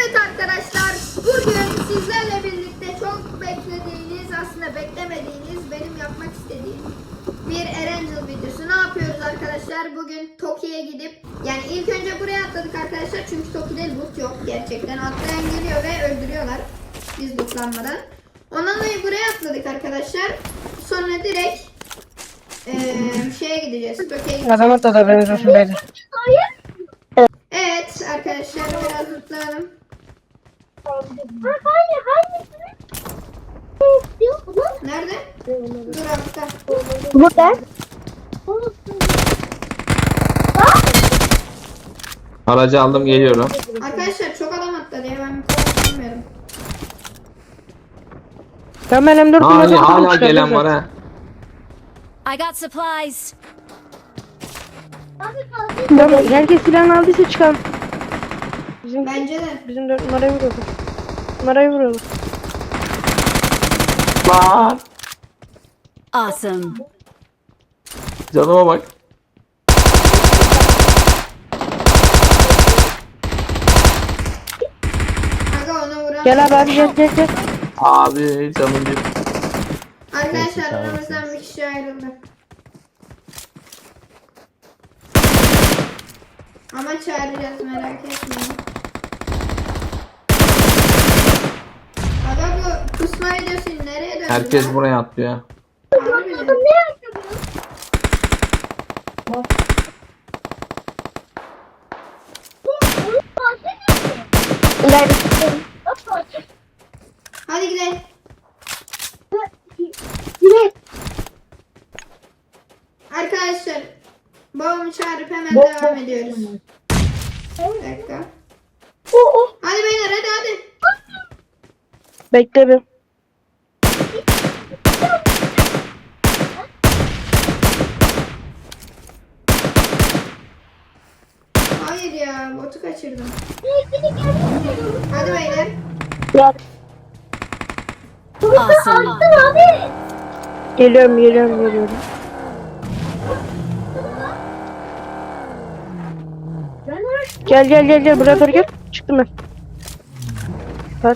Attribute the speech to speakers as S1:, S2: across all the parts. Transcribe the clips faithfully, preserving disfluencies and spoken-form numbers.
S1: Evet arkadaşlar, bugün sizlerle birlikte çok beklediğiniz, aslında beklemediğiniz, benim yapmak istediğim bir Erangel videosu. Ne yapıyoruz arkadaşlar? Bugün Toki'ye gidip, yani ilk önce buraya atladık arkadaşlar çünkü Toki'de loot yok gerçekten. Atlayan geliyor ve öldürüyorlar biz lootlanmadan. Ondan dolayı buraya atladık arkadaşlar. Sonra direkt ee, şeye gideceğiz. Toki'ye gideceğiz.
S2: Adam atladı, ben olsun beyler.
S1: Evet arkadaşlar, biraz lootlayalım. Nerede? Dur altta.
S3: Burada.
S4: Aracı aldım, geliyorum.
S1: Arkadaşlar çok adam atladı ya, ben bir bilmiyorum.
S2: Ben ben M dört
S4: Hala,
S2: kullanıyorum,
S4: hala
S2: çıkardım
S4: gelen
S2: zaten.
S4: var ha.
S5: I got supplies.
S2: Tamam, herkes silahını aldıysa çıkalım. Bizim,
S1: Bence de.
S2: bizim dört numarayı vuruyorlar. Numarayı vuruyorlar.
S4: Lan!
S5: Awesome.
S4: Canıma bak.
S1: Aga ona vuran.
S2: Gel abi abi gel gel gel.
S4: Abi canım bir.
S1: Arkadaşlar aramızdan bir kişi ayrıldı. Ama çağıracağız, merak etmeyin. Aga bu kusma videosu nereye döndü?
S4: Herkes
S1: lan?
S4: buraya atlıyor.
S1: Harbi mi? Hadi gidelim. Arkadaşlar babamı çağırıp hemen devam ediyoruz. Bir dakika. Hadi beyler, hadi hadi.
S2: Bekle bir.
S1: Hayır ya, botu kaçırdım. Hadi beyler.
S5: Awesome.
S2: Geliyorum geliyorum geliyorum. Gel gel gel gel buraya doğru gel. Çıktım ben. Bas.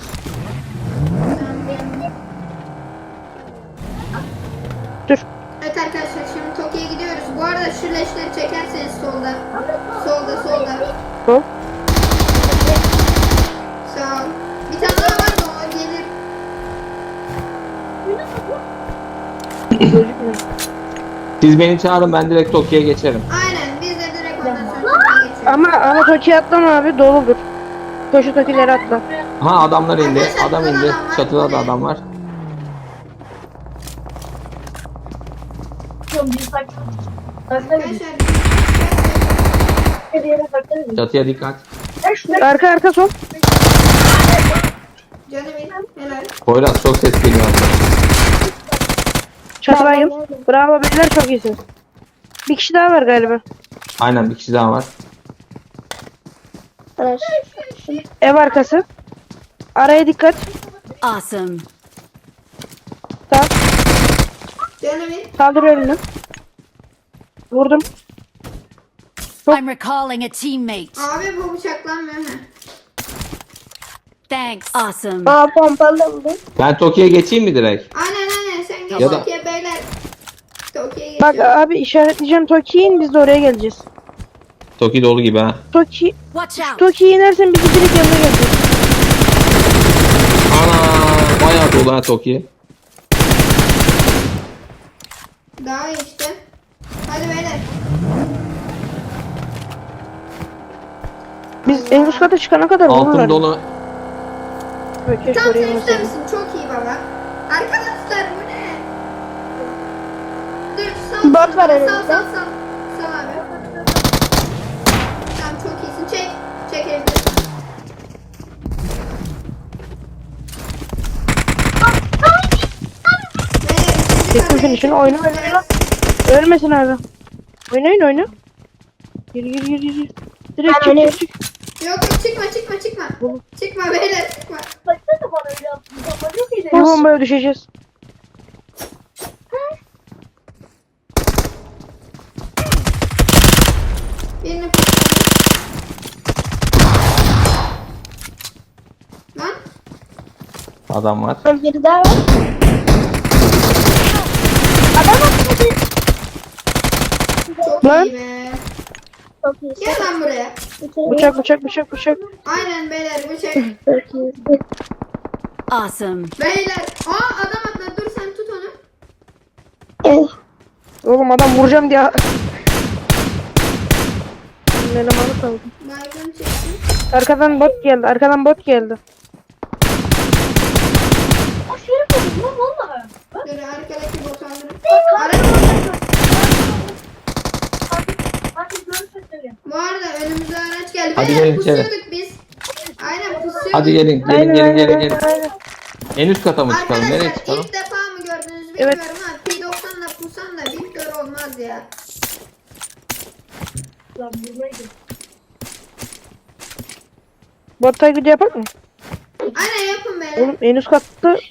S2: Dur.
S1: Evet arkadaşlar, şimdi Toki'ye gidiyoruz. Bu arada şu leşleri çekerseniz solda. Solda solda.
S2: Hop.
S1: Sağ ol. Bir tane daha var da o gelir.
S4: Siz beni çağırın, ben direkt Tokyo'ya geçerim.
S1: Aynen, biz de direkt ondan sonra Toki'ye geçiyoruz.
S2: Ama ama Toki'ye atlama abi, doludur. Koşu Toki'leri atla.
S4: Ha, adamlar indi.
S1: Arkadaşlar,
S4: Adam
S1: burada
S4: indi.
S1: adam var.
S4: Çatıda da
S1: Buraya.
S4: adam var.
S1: Arkadaşlar
S4: Çatıya dikkat.
S2: Arka arka sol.
S1: canım in, helal.
S4: Poyraz, çok ses geliyor.
S2: Çatı baygın. Bravo beyler, çok iyisiniz. Bir kişi daha var galiba.
S4: Aynen, bir kişi daha var.
S2: Ev arkası. Araya dikkat.
S5: Awesome.
S2: Tamam.
S1: Canım in.
S2: Kaldır önünü. Vurdum.
S5: I'm recalling a teammate.
S1: Abi bu bıçaklanmıyor ha.
S5: Thanks. Awesome.
S3: Aa pompalı bu.
S4: Ben Tokyo'ya geçeyim mi direkt?
S1: Aynen aynen, sen geç
S4: Ya da-
S1: Toki'ye beyler. Toki'ye
S2: Bak
S1: geçiyoruz.
S2: abi, işaretleyeceğim Toki'yi in, biz de oraya geleceğiz.
S4: Tokyo dolu gibi ha.
S2: Toki,
S5: Watch out.
S2: Toki'yi inersen bizi direkt yanına geleceğiz.
S4: Ana, bayağı dolu ha Tokyo.
S1: Daha iyi işte. Hadi beyler.
S2: Biz en üst kata çıkana kadar vururlar.
S4: Altın dolu.
S2: Böyle keşke
S1: Tam
S2: oraya
S1: sen ister
S2: inmeseydim.
S1: misin? Çok iyi baba. Arkadaşlar bu ne? Dur sal.
S3: Bot var
S1: sal,
S3: önümüzde.
S1: Sal sal sal. Sal abi. Tamam, çok iyisin. Çek. Çek evde.
S2: Çektim finish'ini, oyna oyna oyna. Ölmesin abi. Oynayın oyna. Gir gir gir gir. Direkt
S3: Ben
S2: çık
S3: oynayayım.
S2: çık çık.
S1: Yok yok, çıkma çıkma çıkma. Çıkma beyler, çıkma.
S3: Baksana bana öyle yaptın. Çok iyi.
S2: Bu bombaya düşeceğiz.
S1: Birini
S4: Adam var.
S3: Biri daha var. Adam atladı.
S1: Çok
S2: Lan.
S1: iyi be.
S3: Çok iyi.
S1: Gel lan buraya.
S2: Bıçak bıçak bıçak bıçak.
S1: Aynen beyler bıçak.
S3: Çok iyi.
S5: Awesome.
S1: Beyler. Aa adam atladı. Dur sen tut onu.
S3: Evet.
S2: Oğlum adam vuracağım diye. Elemanı kaldı.
S1: Baygın çekti.
S2: Arkadan bot geldi. Arkadan bot geldi.
S3: Aşırı buldum lan valla.
S1: Dur arkadaki botu alırım.
S3: Ara.
S1: Araç.
S3: Hadi görüşürüz söyle.
S1: Bu arada önümüze araç geldi.
S4: Hadi
S1: Beyler
S4: gelin içeri.
S1: pusuyorduk biz. Aynen pusuyorduk.
S4: Hadi gelin gelin
S2: Aynen,
S4: gelin
S2: aynen,
S4: gelin
S2: aynen,
S4: gelin.
S2: aynen.
S4: En üst kata mı çıkalım? Nereye
S1: Arkadaşlar
S4: çıkalım?
S1: ilk defa mı gördünüz
S2: Evet.
S1: bilmiyorum ama P doksanla pusan da Victor olmaz ya.
S3: Lan buradaydı.
S2: Bot taklidi yapak mı?
S1: Aynen yapın beyler.
S2: Oğlum en üst katta.
S1: Gel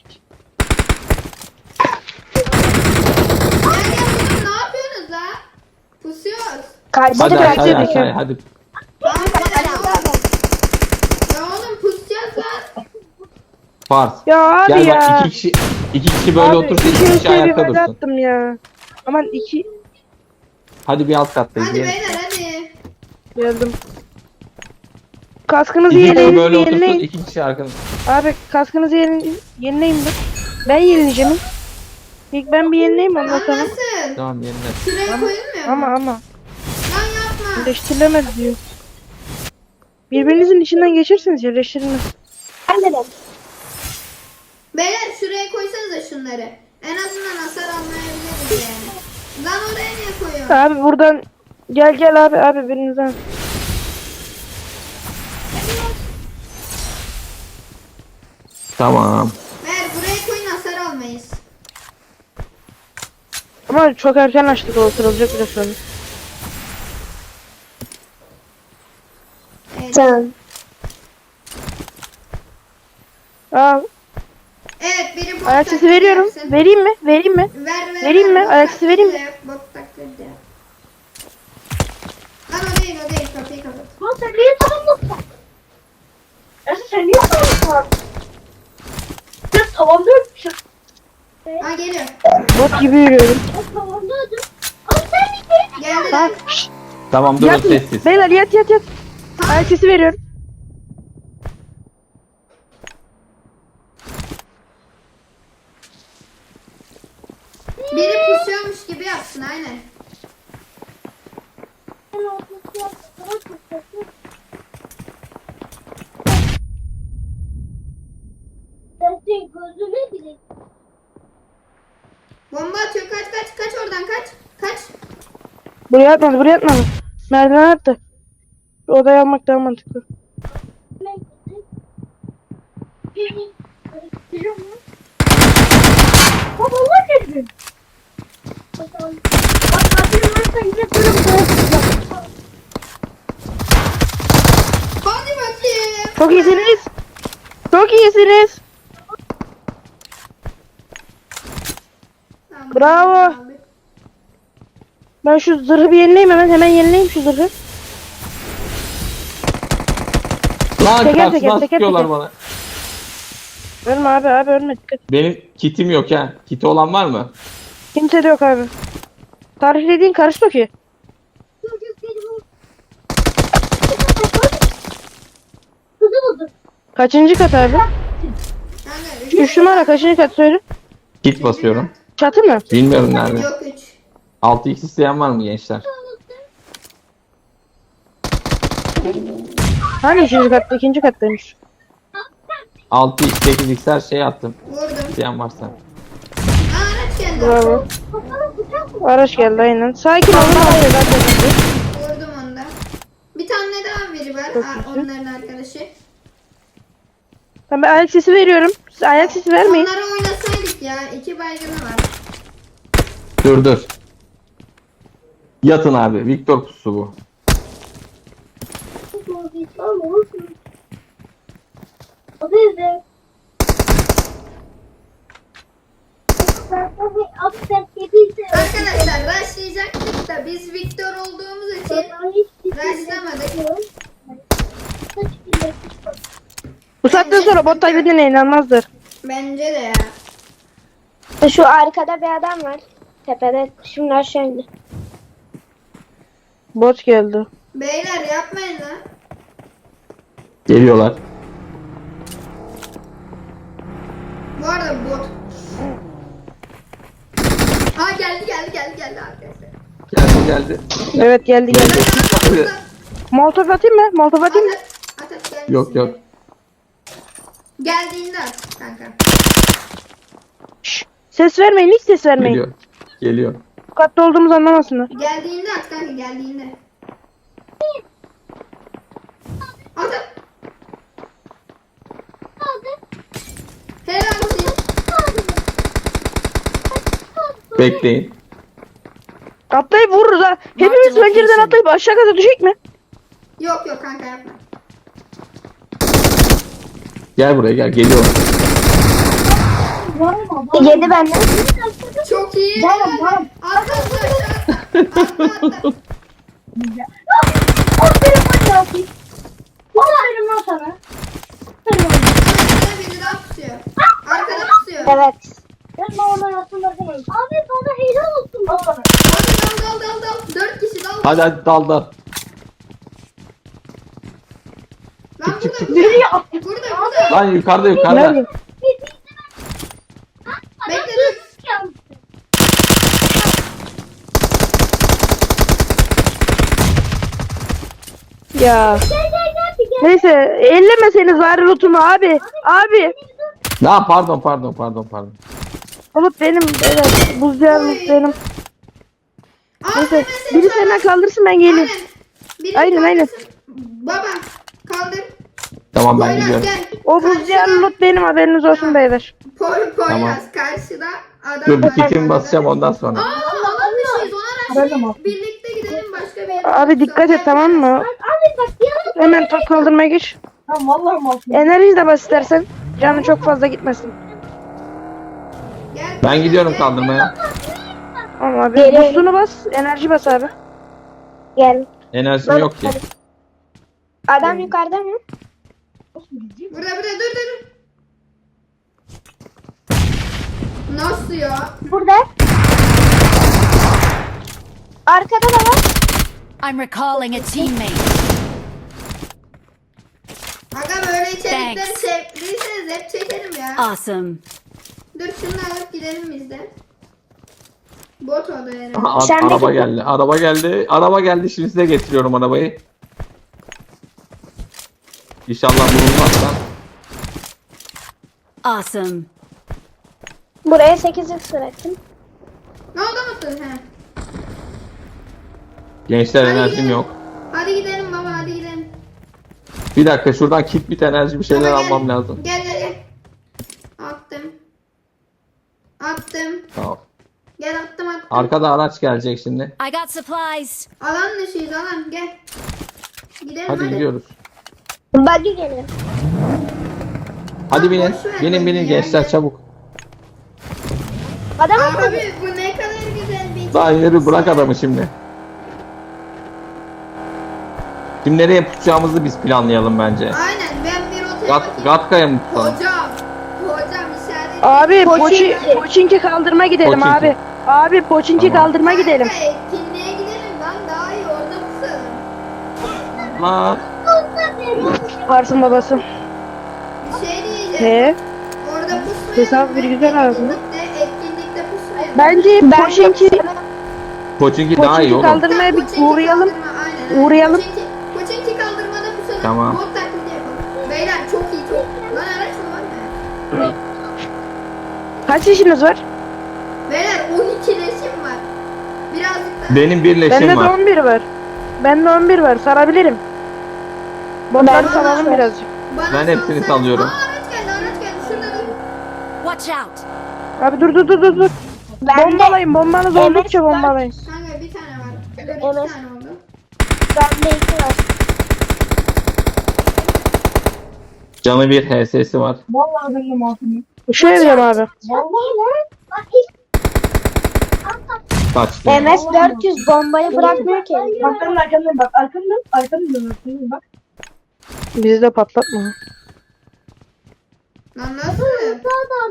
S1: gel oğlum ne yapıyorsunuz la? Pusuyoruz.
S3: Karşıda
S4: Hadi
S2: Hadi,
S4: aşağıya
S2: hadi.
S4: aşağıya hadi.
S1: Tamam beyler oğlum. Ya oğlum pusacağız lan.
S4: Farz.
S2: Ya abi
S4: Gel
S2: ya.
S4: bak iki kişi iki kişi böyle
S2: Abi,
S4: otursun,
S2: iki
S4: iki kişi
S2: kişiye bir
S4: ayakta
S2: böyle
S4: dursun.
S2: attım ya. Aman iki
S4: Hadi bir alt kattayız.
S1: Hadi
S4: gelin.
S1: beyler hadi.
S2: geldim. Kaskınızı
S4: İki kişi
S2: yenileyin,
S4: böyle otursun,
S2: yenileyin.
S4: iki kişi arkada.
S2: Abi kaskınızı yenileyin, yenileyin ben. Ben yenileceğim. İlk ben bir yenileyim ondan
S1: Lan
S2: sonra.
S1: nasıl?
S4: Tamam yerine.
S1: Şuraya koyulmuyor
S2: Ama
S1: mu?
S2: ama.
S1: Lan yapma.
S2: Birleştirilemez diyor. Birbirinizin içinden geçersiniz yerleştirilmez.
S3: Anladım.
S1: Beyler şuraya koysanıza şunları. En azından hasar almayabiliriz yani. Lan oraya niye koyuyorsun?
S2: Abi buradan gel gel abi abi birinizden.
S4: Tamam.
S1: Beyler buraya koyun hasar almayız.
S2: Ama çok erken açtık o kırılacak biraz sonra.
S1: Evet.
S3: Tamam.
S2: Aa,
S1: Evet biri bot
S2: ayak sesi
S1: taklidi
S2: veriyorum.
S1: yapsın.
S2: Vereyim mi? Vereyim mi?
S1: Ver ver.
S2: Vereyim
S1: ver,
S2: mi?
S1: bot
S2: Ayak sesi vereyim mi?
S1: taklidi yap, Bot taklidi yap. Lan o değil o değil kapıyı kapat.
S3: Lan sen niye tamamladın? Ersin sen niye tamamladın? Sen tamamlıyorsun.
S1: Ha geliyor.
S2: Bot gibi yürüyorum.
S3: Ben tamamladım. Ama sen niye?
S1: Geldi
S2: Ha,
S1: lan.
S2: şşt,
S4: Tamam durun
S2: yat.
S4: sessiz.
S2: Beyler yat yat yat. Ayak sesi veriyorum.
S1: Biri pusuyormuş gibi yapsın aynen.
S3: Senin gözüne gireyim.
S1: Bomba atıyor kaç kaç kaç oradan kaç. Kaç.
S2: Buraya atmadı buraya atmadı. Merdiven attı. Şu odayı almak daha mantıklı.
S3: Baba Allah dedi. Bak abim varsa yine durum
S1: Hadi bakayım.
S2: Çok iyisiniz. Çok iyisiniz.
S1: Tamam,
S2: Bravo.
S1: aldık.
S2: Ben şu zırhı bir yenileyim hemen. Hemen yenileyim şu zırhı.
S4: Lan
S2: Teker
S4: karşıdan
S2: teker, teker
S4: sıkıyorlar
S2: teker.
S4: bana.
S2: Ölme abi abi ölme dikkat.
S4: Benim kitim yok ha. Kiti olan var mı?
S2: Kimse de yok abi. Tariflediğin karıştı ki.
S3: Kızı buldum.
S2: Kaçıncı kat abi?
S1: Kanka, üç.
S2: Üç numara kaçıncı kat söyle.
S4: Kit basıyorum.
S2: Çatı mı?
S4: Bilmiyorum nerede.
S1: Yok üç.
S4: altı x isteyen var mı gençler?
S2: Hangi üçüncü katta? İkinci kattaymış.
S4: altı x sekiz x her şeyi attım.
S1: Vurdum.
S4: İsteyen varsa.
S1: Aa, araç geldi.
S2: Bravo.
S3: Kafana bıçak mı?
S2: Araç geldi aynen. Sakin olun. Abi, zaten
S1: Vurdum onu da. Bir tane daha biri var.
S2: Çok
S1: Aa,
S2: güzel.
S1: onların arkadaşı.
S2: Ben bir ayak sesi veriyorum. Siz ayak sesi vermeyin.
S1: Onlara oynasaydık ya. İki baygını var.
S4: Dur dur. Yatın abi. Victor pusu bu.
S3: Lan olsun. O dedi. Abi sen kediyse.
S1: Arkadaşlar rushlayacaktık da biz Victor olduğumuz için rushlamadık.
S2: Bu saatten sonra bot taklidine inanmazlar.
S1: Bence de ya.
S3: Şu arkada bir adam var. Tepede. Şimdi aşağı indi.
S2: Bot geldi.
S1: Beyler yapmayın lan.
S4: Geliyorlar.
S1: Bu arada bot. Ha geldi geldi geldi geldi arkadaşlar.
S4: Geldi geldi.
S2: Evet geldi geldi.
S4: Hadi.
S2: Molotov atayım mı? Molotov atayım mı?
S1: At at at gelmesin.
S4: Yok yok.
S1: Geldiğinde at kanka.
S2: Şşş. Ses vermeyin, hiç ses vermeyin.
S4: Geliyor. Geliyor.
S2: Bu katta olduğumuzu anlamasınlar.
S1: Geldiğinde at kanka geldiğinde. At at. Helal olsun.
S4: Bekleyin.
S2: Atlayıp vururuz ha. Hepimiz pencereden atlayıp aşağı kata düşecek mi?
S1: Yok yok kanka yapma.
S4: Gel buraya gel. Geliyor.
S3: Yedi benden.
S1: Çok iyi.
S3: Varım, varım.
S1: Atla atla aşağı atla. Atla atla.
S3: Aferin bana yapayım. Aferin lan sana. Aferin bana.
S1: Arkada biri daha pusuyor. Arkada pusuyor.
S3: Evet. Ben oradan aslında demeyin. Abi bana helal olsun bana.
S1: Hadi dal dal dal dal. Dört kişi dal.
S4: Hadi hadi dal dal.
S1: Lan burada
S3: Biri ya.
S1: burada. Burada burada.
S4: Lan yukarıda yukarıda.
S2: Nerede?
S1: Bekle dur.
S2: Ya. Neyse ellemeseniz bari lootumu abi. Abi.
S4: Ne pardon pardon pardon pardon.
S2: Loot benim. Evet. Buzcağı loot benim. Neyse. Biri senden kaldırsın ben geleyim.
S1: Biri
S2: Aynen, aynen.
S1: kaldırsın. Baba kaldır.
S4: Tamam ben
S1: Poyraz
S4: gidiyorum.
S1: gel.
S2: O buzcağı loot benim, haberiniz olsun beyler.
S1: Poy, Poyraz
S4: Tamam.
S1: karşıda adam.
S4: Dur bir
S1: var.
S4: kitimi basacağım ondan sonra.
S1: Aa alan dışıyız ona rağmen birlikte gidelim başka bir yere.
S2: Abi dikkat et, tamam mı?
S3: Abi bak ya.
S2: Hemen top kaldırmaya geç.
S3: Tamam vallahi masum.
S2: Enerji de bas istersen. Canı çok fazla gitmesin.
S1: Gel,
S4: Ben
S1: gel,
S4: gidiyorum
S1: gel.
S4: kaldırmaya.
S2: Tamam abi.
S3: Geliyorum.
S2: Boostunu bas. Enerji bas abi.
S3: Gel.
S4: Enerjim yok ki.
S3: Adam yukarıda mı?
S1: Burada burada dur dur. dur. Nasıl ya?
S3: Burada. Arkada da var.
S5: I'm recalling a teammate.
S1: Aga böyle içerikleri
S5: Thanks.
S1: sevdiyseniz hep çekerim ya.
S5: Awesome.
S1: Dur şunu alıp gidelim biz de. Bot o da herhalde.
S4: Aha,
S3: Sen de
S4: araba
S3: git.
S4: geldi. Araba geldi. Araba geldi. Şimdi size getiriyorum arabayı. İnşallah bulunmazsa.
S5: Awesome.
S3: Buraya sekiz x bıraktım.
S1: Ne oldu musun? He.
S4: Gençler
S1: Hadi
S4: enerjim
S1: gidelim.
S4: yok.
S1: Hadi gidelim baba hadi gidelim.
S4: Bir dakika şuradan kit bit enerji bir şeyler
S1: Baba, gel.
S4: almam lazım.
S1: Gel gel gel. Attım. Attım.
S4: Tamam.
S1: Gel attım attım.
S4: Arkada araç gelecek şimdi.
S5: I got supplies.
S1: Alan dışıyız alan gel. Gidelim
S4: Hadi
S1: hadi.
S4: gidiyoruz.
S3: Buggy geliyor.
S4: Hadi binin.
S1: boş ver
S4: Binin
S1: beni
S4: binin
S1: ya,
S4: gençler
S1: gel.
S4: çabuk.
S3: Adam atladı.
S1: Abi bu ne kadar güzel bir
S4: Daha yürü bırak adamı şimdi. Şimdi nereye tutacağımızı biz planlayalım bence.
S1: Aynen ben bir otele
S4: Gat,
S1: bakayım.
S4: Gatka'ya mı tutalım?
S1: Hocam. Hocam işaret.
S2: Abi
S3: Poçinki.
S2: poçi, poçinki kaldırma gidelim
S4: Poçinki.
S2: abi. Abi poçinki
S4: Tamam.
S2: kaldırma gidelim.
S1: Kanka, etkinliğe gidelim lan daha iyi orada tutalım.
S4: Lan.
S2: Varsın babası.
S1: Bir şey diyeceğim.
S2: He.
S1: Orada pusmayalım.
S2: Hesap bir güzel abi.
S1: Etkinlikte, etkinlikte pusmayalım.
S2: Bence
S3: Ben
S2: poçinki
S4: Koçinki daha iyi
S2: poçinki
S4: oğlum.
S2: kaldırmaya bir
S1: Koçinki
S2: uğrayalım.
S1: kaldırma, aynen, aynen.
S2: Uğrayalım.
S1: Koçinki, Koçinki kaldırmada pusalım.
S4: Tamam.
S1: Bot taklidi yapalım. Beyler çok iyi çok. Lan araç mı var ya?
S2: Kaç yaşınız var?
S1: Beyler on iki resim var. Birazcık daha.
S4: Benim bir
S2: Bende
S4: leşim
S2: de
S4: var.
S2: on bir var. Bende on bir var. Sarabilirim. Botları
S1: Ben-
S2: salalım birazcık.
S1: Bana
S4: Ben hepsini
S1: salsana.
S4: salıyorum.
S1: Aa araç geldi araç geldi. Şurada dur.
S5: Watch out.
S2: Abi dur dur dur dur dur.
S3: Ben de,
S2: Bombalayın. Bombanız
S3: Evet,
S2: oldukça
S3: ben-
S2: bombalayın.
S1: Kanka bir tane var. Dur iki
S3: Evet.
S1: tane oldu.
S3: ben de iki var.
S4: Canı bir H S'si var.
S3: Vallahi benim masum.
S2: Şu evdeyim abi.
S3: Vallahi lan. Bak hiç.
S4: Kaçtı.
S3: M S dört yüz bombayı bırakmıyor ki.
S6: Arkanın arkanın bak arkanın arkanın dönüyorsun bak.
S2: Bizi de patlatma.
S1: Lan nasıl?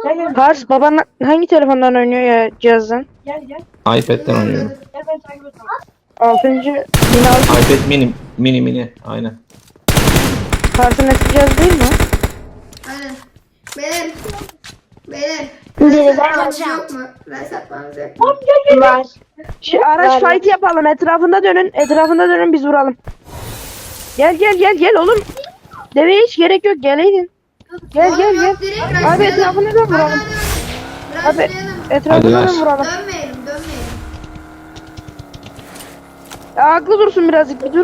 S6: Gel gel.
S2: Pars baban hangi telefondan oynuyor ya cihazdan?
S6: Gel gel.
S4: iPad'den oynuyorum.
S6: Gel ben takip et.
S2: Altıncı bin altı
S4: iPad mini. Mini mini. Aynen.
S2: Pars'ın eski cihazı değil mi?
S1: Aynen. Beyler. Beyler.
S3: Biri
S1: Reset
S3: ver.
S1: atmamız yok mu? Reset atmamız yok mu?
S3: Var.
S2: Şu araç fight yapalım. Etrafında dönün. Etrafında dönün biz vuralım. Gel gel gel gel oğlum. Deveye hiç gerek yok. Geleydin. Gel
S1: Oğlum
S2: gel
S1: yok,
S2: gel.
S1: direkt
S2: Abi
S1: rushlayalım.
S2: etrafına dön
S1: Hadi,
S2: vuralım.
S1: hadi,
S2: Abi
S1: rushlayalım.
S2: etrafına
S4: Hadi
S2: dön
S4: rush.
S2: vuralım.
S1: Dönmeyelim, dönmeyelim.
S2: Ya, aklı dursun birazcık bir dur.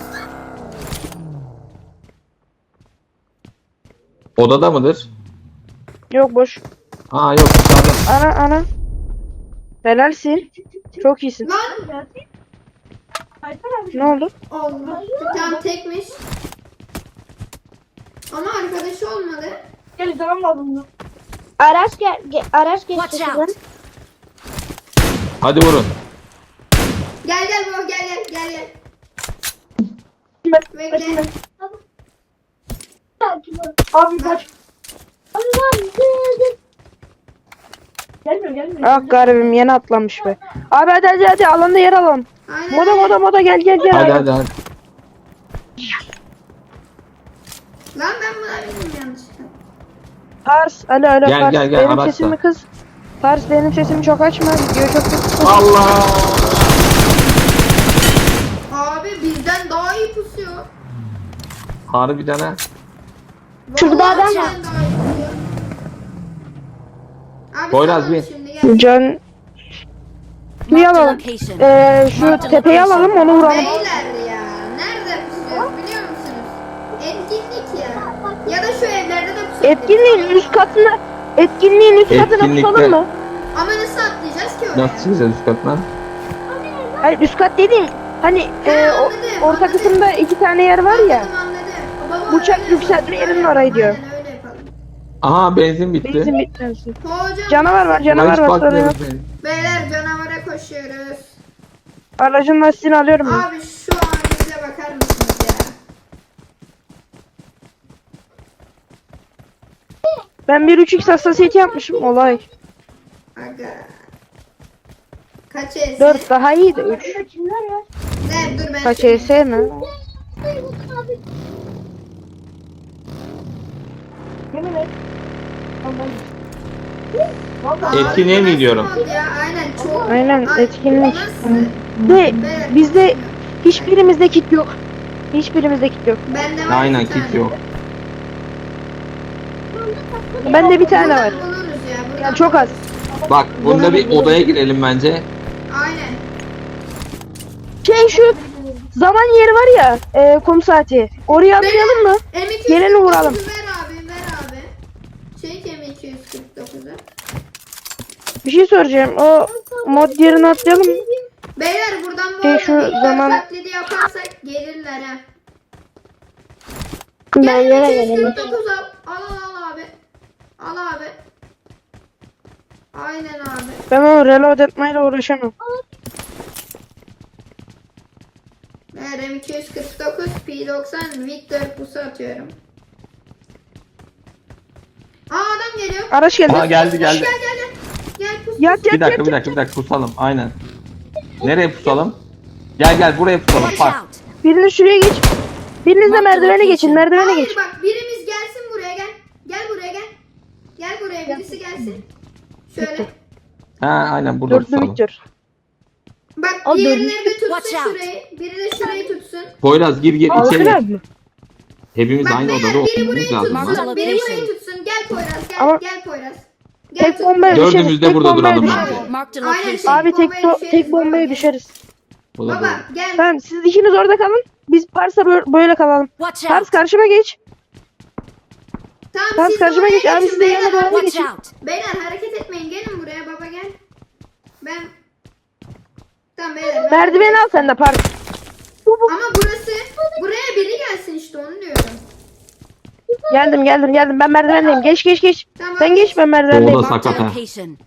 S4: Odada mıdır?
S2: Yok boş.
S4: Aa yok dışarıda.
S2: Ana ana. Helalsin. Çok iyisin.
S1: Lan!
S6: Alper abi.
S2: Ne oldu?
S1: Allah. Tamam tekmiş. Ama arkadaşı olmadı.
S6: Gel izlemem lazım bunu.
S3: Araç gel, ge- araç geçti
S5: Watch
S3: şuradan.
S5: out.
S4: Hadi vurun.
S1: Gel gel baba gel gel gel gel.
S6: Ben.
S1: Bekle.
S6: Abi kaç. Gelmiyor gelmiyor.
S2: Ah garibim yeni atlamış be. Abi hadi hadi hadi alanda yer alalım.
S1: Aynen.
S2: Moda
S1: aynen.
S2: moda moda gel gel gel.
S4: Hadi hadi hadi.
S1: Lan ben buna bildim yanlışlıkla.
S2: Pars alo alo
S4: Gel,
S2: Pars.
S4: gel, gel,
S2: Benim
S4: araçla.
S2: sesimi kız. Pars benim sesimi çok açma. Videoyu çok kız.
S4: Allah.
S1: Abi bizden daha iyi pusuyor.
S4: Harbiden ha.
S3: Şurada
S1: Vallahi
S3: adam
S1: bizden
S3: var.
S1: daha iyi pusuyor. Abi
S4: Poyraz
S1: tamam,
S4: bin.
S1: şimdi gel.
S2: Can bir
S5: Marked a
S2: alalım.
S5: location.
S2: Ee, şu tepeyi alalım onu vuralım.
S1: Beyler ya. Nerede pusuyoruz biliyor musunuz? Etkinlik ya. Ya da şu evlerde de pusuyoruz.
S2: Etkinliğin üst katına etkinliğin üst katına
S4: Etkinlikte-
S2: tutalım mı?
S1: Ama nasıl atlayacağız ki oraya?
S4: Nasıl çıkacağız üst katına?
S2: Hayır üst kat dediğim hani e, o,
S1: anladım,
S2: orta
S1: anladım.
S2: kısımda iki tane yer var ya.
S1: Anladım anladım. Baba,
S2: Uçak
S1: öyle
S2: yükseltme
S1: yapalım.
S2: yerinin orayı diyor.
S1: Aynen öyle yapalım.
S4: Aha benzin bitti.
S2: Benzin bitmesin.
S1: Hocam.
S2: Canavar var
S4: Buna
S2: canavar
S4: hiç
S2: var sorun yok.
S4: bakmıyoruz benzin.
S1: Beyler canavara koşuyoruz.
S2: Aracın lastiğini alıyorum ben.
S1: Abi şu halimize bakar mısınız ya?
S2: Ben bir üç x hassasiyeti yapmışım olay.
S1: Aga. Kaç E S?
S2: dört daha iyiydi üç.
S1: Ne dur ben.
S2: Kaç
S1: söyleyeyim.
S2: E S mi?
S6: Yemin et. Vallahi.
S1: Abi,
S4: Etkinliğe
S1: bu
S4: mi
S1: nasıl
S4: gidiyorum?
S1: mod Ya aynen çok.
S2: Aynen,
S1: Ay,
S2: etkinlik.
S1: bu nasıl?
S2: Ve
S1: Beyler,
S2: bizde hiçbirimizde kit yok. Hiçbirimizde kit yok.
S1: Bende var
S4: Aynen
S1: bir tane.
S4: kit yok.
S2: Bende bir tane var.
S1: Buradan buluruz ya. buradan
S2: Yani çok az.
S4: Bak bunda bir odaya girelim bence.
S1: Aynen.
S2: Şey şu zaman yeri var ya e, kum saati. Oraya atlayalım mı?
S1: M iki yüz kırk
S2: Geleni
S1: dokuzu
S2: vuralım.
S1: ver abi ver abi. Çek M iki yüz kırk dokuzu.
S2: Bir şey soracağım. O mod yerini atlayalım mı?
S1: Beyler buradan bu
S2: Şey,
S1: arada
S2: şu
S1: Victor
S2: zaman-
S1: taklidi yaparsak gelirler ha.
S3: Ben
S1: Gel
S3: yere
S1: M iki yüz
S3: gelelim.
S1: kırk dokuz al. Al al al abi. Al abi. Aynen abi.
S2: Ben o reload etmeyle uğraşamam.
S1: Ver M iki yüz kırk dokuz P doksan Victor pusu atıyorum. Aa adam geliyor.
S2: Araç geldi.
S4: Aa geldi geldi.
S1: Gel gel gel. Gel pus.
S2: Yat yat
S4: Bir dakika
S2: yat.
S4: bir dakika bir dakika pusalım aynen. Nereye pusalım? Gel gel buraya pusalım.
S5: Watch
S4: Bak.
S5: out.
S2: Biriniz şuraya geç. Biriniz de
S5: Mark
S2: merdivene
S5: location.
S2: geçin. Merdivene
S1: Hayır
S2: geç.
S1: bak birimiz gelsin buraya gel. Gel buraya gel. Gel buraya birisi gelsin. Şöyle.
S4: Ha aynen burada
S2: Dörtlü
S4: pusalım.
S2: Victor.
S1: Bak
S2: O
S1: diğerleri de tutsun
S5: Watch out.
S1: şurayı. Biri de şurayı tutsun.
S4: Poyraz gir gir
S2: Alkılar
S4: içeri.
S2: mı?
S4: Hepimiz
S1: Bak
S4: aynı
S1: beyler
S4: odada
S1: biri burayı
S4: oturmamız lazım.
S5: Mark
S1: tutsun.
S5: the
S1: Biri
S5: location.
S1: burayı tutsun. Gel Poyraz gel.
S2: Ama-
S1: Gel Poyraz. Gel
S2: Tek
S1: tut.
S2: bombaya
S4: Dördümüz
S2: düşeriz.
S4: de
S2: Tek
S4: burada
S2: bombaya
S4: duralım
S2: düşeriz.
S1: Abi.
S5: Marked a
S1: Aynen
S5: location.
S1: şey.
S2: Abi tek,
S1: bombaya
S2: to-
S1: düşeriz,
S2: tek bombaya
S1: baba.
S2: düşeriz.
S4: O da
S1: Baba
S4: doğru.
S1: gel.
S2: Tamam siz ikiniz orada kalın. Biz Pars'a bö- böyle kalalım.
S5: Watch
S2: Pars
S5: out.
S2: karşıma geç.
S1: Tamam
S2: Pars
S1: siz de
S2: karşıma
S1: oraya
S2: geç. Abi
S1: geçin,
S2: siz de
S1: beyler.
S2: yana doğru
S5: Watch
S2: geçin.
S5: out.
S1: Beyler hareket etmeyin. Gelin buraya baba gel. Ben. Tamam beyler. ben-
S2: Merdiveni al sen de Pars.
S1: Ama burası. Buraya biri gelsin işte onu diyorum.
S2: Geldim geldim geldim. Ben merdivendeyim. Geç geç geç.
S1: Tamam.
S2: Sen geç ben merdivendeyim.
S4: O da
S5: Marked a
S4: sakat ha.
S5: location.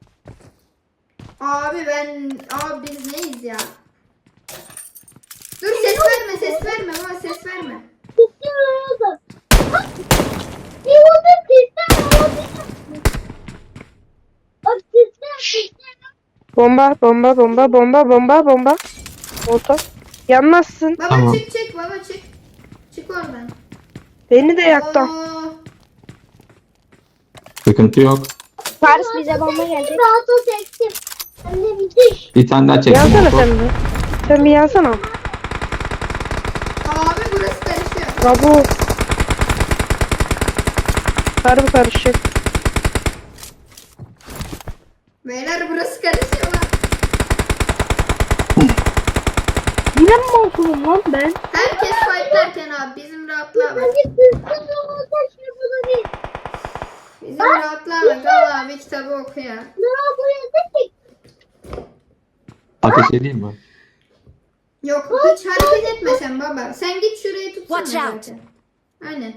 S1: Abi ben. Abi biz neyiz ya? Dur ses verme ses verme baba ses verme.
S2: Bomba bomba bomba bomba bomba bomba. Orta. Yanmazsın.
S1: Baba
S4: Tamam.
S1: çık çık baba çık. Çık oradan.
S2: Beni de yaktı.
S1: Oo.
S4: Sıkıntı yok.
S3: Paris bize bomba gelecek. Rahat ol çektim. Anne bitir.
S4: Bir tane daha çektim.
S2: Yansana
S4: Oto.
S2: sen bir. Sen bir yansana.
S1: Abi burası karışıyor.
S2: Bravo. Harbi karışık.
S1: Beyler burası karışıyor lan.
S2: Yine mi olsunum lan ben?
S1: Herkes fightlarken abi bizim rahatlığa bak. Bizim rahatlığa bak. Al abi kitabı oku ya.
S4: Ateş edeyim mi?
S1: Yok hiç hareket etmesen baba. Sen git şurayı tutsana
S5: Watch out.
S1: zaten. Aynen.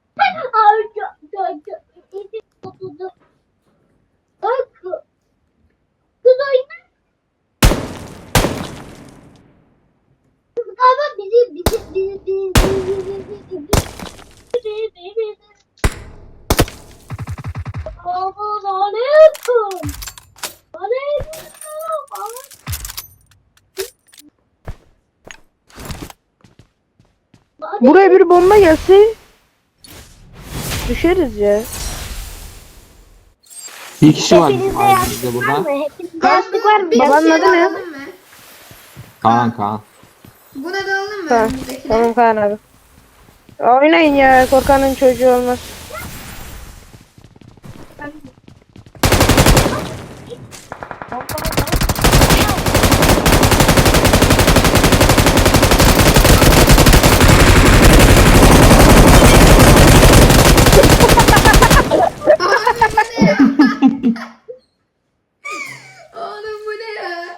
S3: Kız oyna. Ama bizi bizi bizi bizi bizi bizi bizi Aman aleyküm. Aleyküm.
S2: Buraya bir bomba gelse düşeriz ya.
S4: Bir kişi var.
S3: Hepinizde
S4: Abi
S3: yastık
S4: bizde
S3: var
S4: burada.
S3: mı? Hepinizde yastık var mı?
S1: Bir
S2: Babanın
S1: şey
S2: adı
S1: daha
S2: ne?
S1: alalım mı?
S4: Kaan Kaan.
S1: Buna da alalım mı
S2: Tamam.
S1: önümüzdekine?
S2: Tamam Kaan abi. Oynayın ya, korkanın çocuğu olmaz.
S1: Oğlum bu ne ya?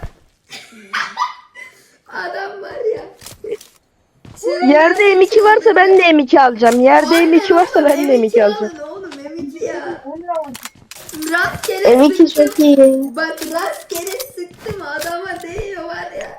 S1: Adam var ya.
S2: Yerde M iki varsa ben de M iki alacağım. Yerde M iki varsa
S1: Aynen
S2: ben
S1: oğlum,
S2: de M iki
S1: alın
S2: alacağım.
S1: Oğlum M iki ya. Rastgele
S3: M iki
S1: sıktım.
S3: çok iyi.
S1: Bak rastgele sıktım adama değiyor var ya.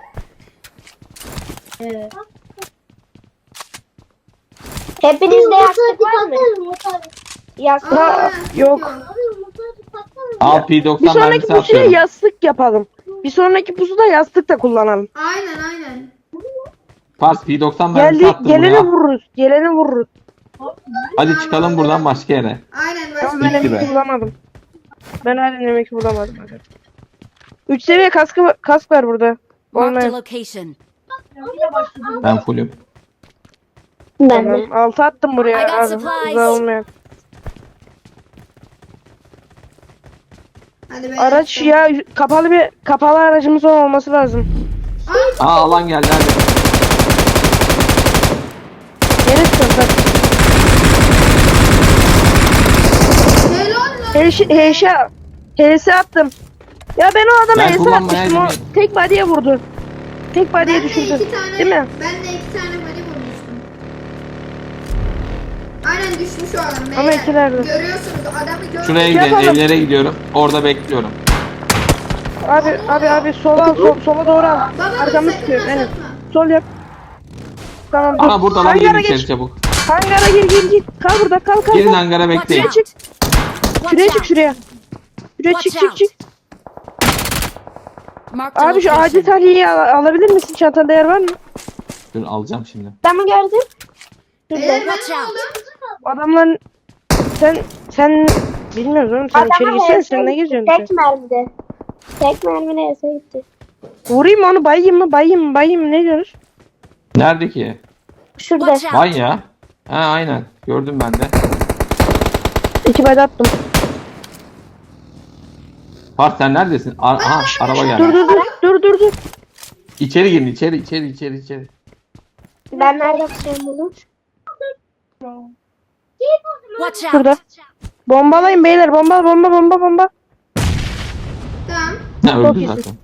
S3: Hepinizde yastık var mı? Yastık.
S1: Aa,
S2: yok.
S4: Al P
S2: Bir
S4: doksan
S2: sonraki
S4: mermisi
S2: pusuya
S4: atıyorum.
S2: yastık yapalım. Bir sonraki pusuda yastık da kullanalım.
S1: Aynen aynen.
S4: Pars P doksan mermisi
S2: Geldi,
S4: attım
S2: geleni
S4: buraya.
S2: vururuz. Geleni vururuz.
S4: Hadi çıkalım buradan başka yere.
S1: Aynen
S2: Ama
S1: başka.
S2: ben
S4: Bitti
S2: M iki
S4: be.
S2: bulamadım. Ben halen M iki bulamadım. üç seviye kaskı kask var burada.
S5: Marked a
S2: Olmayan.
S5: location.
S4: Ben fullüm.
S3: Ben
S2: Tamam.
S3: de.
S2: Altı attım buraya.
S5: I got
S2: Abi.
S5: supplies.
S2: Güzel olmayan.
S1: Hadi beyler,
S2: Araç
S1: çıkalım.
S2: ya kapalı bir kapalı aracımız olması lazım.
S1: Aa,
S4: Aa alan geldi hadi.
S2: Yere çıkın.
S1: helal lan.
S2: Heşe heşe H S attım. Ya ben o adama
S4: Ben
S2: H S
S4: kullanmaya
S2: atmıştım. O
S4: bilmiyorum.
S2: tek body'ye vurdu. Tek body'ye
S1: Ben de
S2: düşürdü.
S1: iki tane,
S2: Değil mi?
S1: ben de iki tane body vurmuştum. Aynen düşmüş o adam.
S2: Ama
S1: beyler.
S2: ikilerde.
S1: Görüyorsunuz adamı gördüm.
S4: Şuraya gidelim.
S2: Yapalım.
S4: Evlere gidiyorum. Orada bekliyorum.
S2: Abi abi abi sola sol, sola doğru al.
S1: Baba
S2: Arkamı
S1: sakın
S2: tutuyor. Evet.
S1: başlatma.
S2: Sol yap. Tamam dur.
S4: Aa burada lan
S2: Hangara
S4: girin içeri
S2: geç.
S4: çabuk.
S2: Hangara gir gir gir. Kal burada kal kal.
S4: Girin
S2: kal.
S4: hangara bekleyin.
S5: Watch
S2: Çık.
S5: Watch
S2: Şuraya çık
S5: out.
S2: şuraya. Şuraya çık
S5: Watch
S2: çık çık.
S5: Marked a
S2: Abi şu acil
S5: location.
S2: tahliyeyi al- alabilir misin? Çantanda yer var mı?
S4: Dur alacağım şimdi.
S3: Ben mi gördüm?
S1: Beyler ben
S5: Watch
S1: ne
S5: out.
S1: oldum?
S2: Adamların sen sen bilmiyoruz oğlum sen içeri
S3: Adama
S2: girsene
S3: H S
S2: sen ne
S3: gitti,
S2: geziyorsun
S3: Tek
S2: sen?
S3: mermide. Tek mermide H S gitti.
S2: Vurayım mı onu bayayım mı bayayım mı bayayım mı ne diyorsunuz?
S4: Nerede ki?
S3: Şurada.
S5: Watch out.
S4: Vay ya. Ha aynen. Gördüm ben de.
S2: İki bayda attım.
S4: Pars sen neredesin? Ar Aha araba
S2: Dur
S4: geldi.
S2: dur dur dur dur dur.
S4: İçeri girin içeri içeri içeri içeri.
S3: Ben nerede tutacağım bunu?
S5: Watch out.
S2: Şurada. Bombalayın beyler bomba bomba bomba bomba.
S1: Tamam.
S4: Ha öldü
S2: iyisin.
S4: zaten.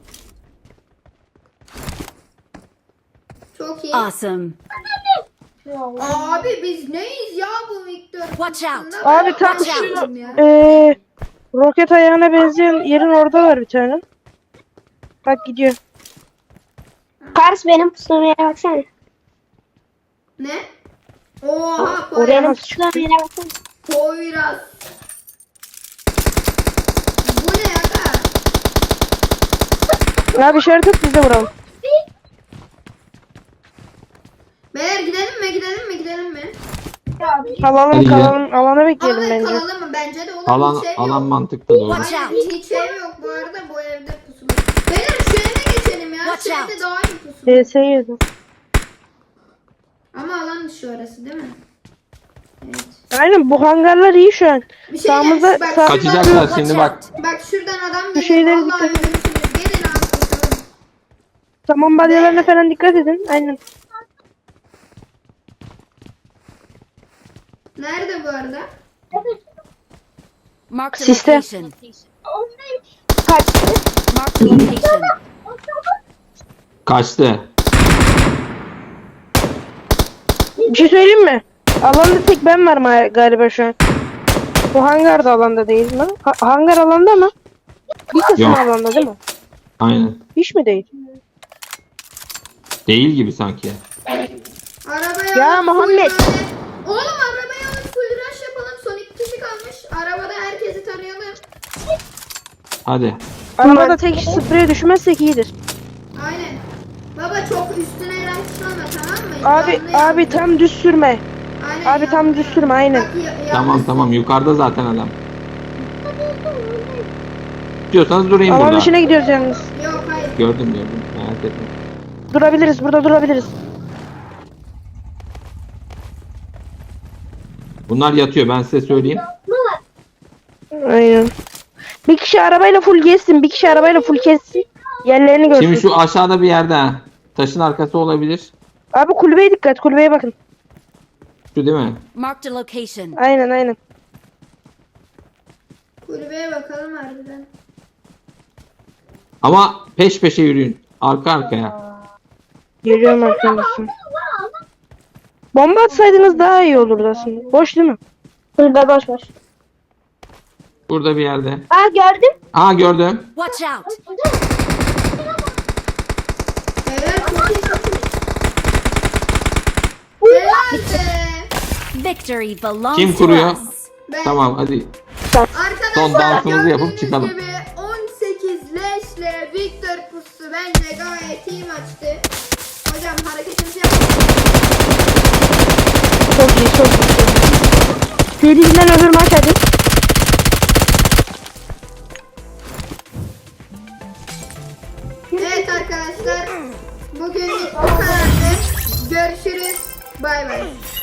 S1: Çok iyi.
S5: Awesome.
S1: Abi biz neyiz ya bu Victor?
S5: Watch out.
S1: kutusunda?
S2: Abi
S1: Ben
S2: tam
S1: bakmadım
S2: şu
S1: ya.
S2: eee roket ayağına benzeyen yerin orada var bir tane. Bak gidiyor.
S3: Pars benim pusulamaya yere baksana.
S1: Ne? Oha
S2: Oraya
S1: Poyraz.
S2: nasıl çıktı?
S3: Pusulamaya yere baksana.
S1: Poyraz. Bu ne aga?
S2: Abi işaret et biz de vuralım.
S1: Beyler gidelim mi gidelim mi gidelim mi?
S2: Kalalım
S4: Hadi
S2: kalalım. Alana bekleyelim
S1: Abi
S2: bence.
S1: kalalım mı? Bence de olur.
S4: Alan
S1: hiç ev
S4: alan
S1: yok.
S4: mantıklı doğru.
S5: Watch
S1: Aynen,
S5: out.
S1: hiç ev yok bu arada bu evde pusu. Beyler şu eve geçelim ya.
S5: Watch
S1: Şu
S5: out.
S1: evde daha iyi pusu.
S2: D S yedim.
S1: Ama alan dışı orası değil mi? Evet.
S2: Aynen bu hangarlar iyi şu an.
S1: Bir şey
S2: Sağımızda-
S1: bak,
S2: sağ-
S4: Kaçacaklar
S5: Watch
S4: şimdi bak.
S5: out.
S1: Bak şuradan adam
S2: Bu
S1: geliyor.
S2: şeyleri
S1: Vallahi
S2: dikkat-
S1: ölürsünüz. Gelin abi koşalım.
S2: Tamam balyalarına falan dikkat edin. Aynen.
S1: Nerede bu arada?
S5: Mark the
S2: Siste.
S5: location. Mark the location.
S4: Kaçtı.
S2: Bir şey söyleyeyim mi? Alanda tek ben varım ha- galiba şu an. Bu hangar da alanda değil mi? Ha- hangar alanda mı? Bir kısmı
S4: Yok.
S2: alanda değil mi?
S4: Aynen.
S2: Hiç mi değil?
S4: Değil gibi sanki.
S1: Arabaya
S2: Ya
S1: alıp
S2: Muhammed.
S1: full böyle- Oğlum arabaya alıp full rush yapalım. Son iki kişi kalmış. Arabada herkesi tarayalım.
S4: Hadi.
S2: Arabada tek spreye düşmezsek iyidir.
S1: Aynen. Baba çok üstüne rushlama tamam mı?
S2: Abi
S1: Yanlı
S2: abi
S1: yanlı.
S2: tam düz sürme.
S1: Aynen,
S2: Abi tam
S1: yanlı
S2: düz
S1: yanlı.
S2: sürme aynen.
S1: Bak, ya-
S4: Tamam
S1: yalnız-
S4: tamam yukarıda zaten adam. İstiyorsanız durayım
S2: Alan
S4: burada.
S2: dışına gidiyoruz yalnız.
S1: Yok hayır.
S4: Gördüm gördüm. Merak etme.
S2: Durabiliriz burada durabiliriz.
S4: Bunlar yatıyor ben size söyleyeyim.
S2: Aynen. Bir kişi arabayla full gezsin. Bir kişi arabayla full kessin. Yerlerini görsün.
S4: Şimdi şu aşağıda bir yerde ha. Taşın arkası olabilir.
S2: Abi kulübeye dikkat. Kulübeye bakın.
S4: Şu değil mi?
S5: Mark the location.
S2: Aynen aynen.
S1: Kulübeye bakalım harbiden.
S4: Ama peş peşe yürüyün. Arka arkaya.
S2: Geliyorum arkadaşlar. Bomba atsaydınız daha iyi olurdu aslında. Boş değil mi?
S3: Burada boş boş.
S4: Burada bir yerde.
S3: Aa gördüm.
S4: Aa gördüm.
S5: Watch out.
S1: Beyler çok iyi çok iyi. Helal be.
S5: Victory belongs
S4: Kim
S5: to
S4: kuruyor?
S5: us.
S1: Ben-
S4: Tamam hadi.
S1: Arkadaşlar
S4: Son dansımızı yapıp
S1: gördüğünüz
S4: çıkalım.
S1: gibi on sekiz leşle Victor pusu bence gayet iyi maçtı. Hocam hareketimizi yapalım.
S2: Çok iyi çok iyi. Çok iyi. Seriden öbür maç hadi.
S1: Evet arkadaşlar bugünlük bu kadardı. Görüşürüz. Bay bay.